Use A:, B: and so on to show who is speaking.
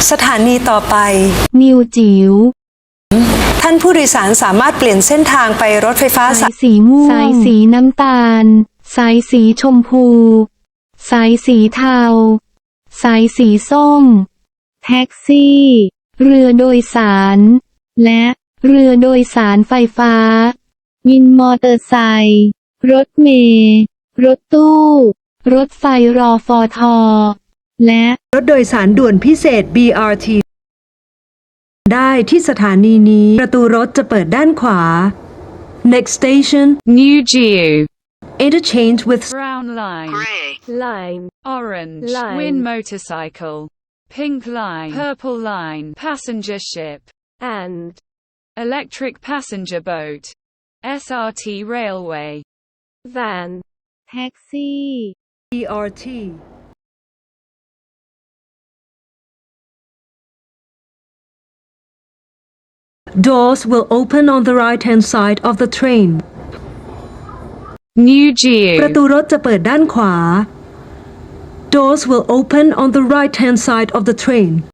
A: สถานีต่อไป
B: นิวจิ๋ว
A: ท่านผู้โดยสารสามารถเปลี่ยนเส้นทางไปรถไฟฟ้า
B: สายสีม่วงสายสีน้ำตาลสายสีชมพูสายสีเทาสายสีส้มแท็กซี่ เรือโดยสาร และเรือโดยสารไฟฟ้า วินมอเตอร์ไซค์รถเมล์รถตู้ รถไฟรอฟอทอและ
A: รถโดยสารด่วนพิเศษ BRT ได้ที่สถานีนี้ประตูรถจะเปิดด้านขวา Next station
C: New Geo
A: Interchange with
C: Brown line
D: Gray
B: line
C: Orange
B: Line
C: Twin motorcycle Pink line Purple line Passenger ship
B: and
C: Electric passenger boat SRT railway
B: van แท็กซี่
A: BRT Doors will open on the right-hand side of the train.
C: New
A: ประ
C: Geo
A: ตูรถจะเปิดด้านขวา Doors will open on the right-hand side of the train.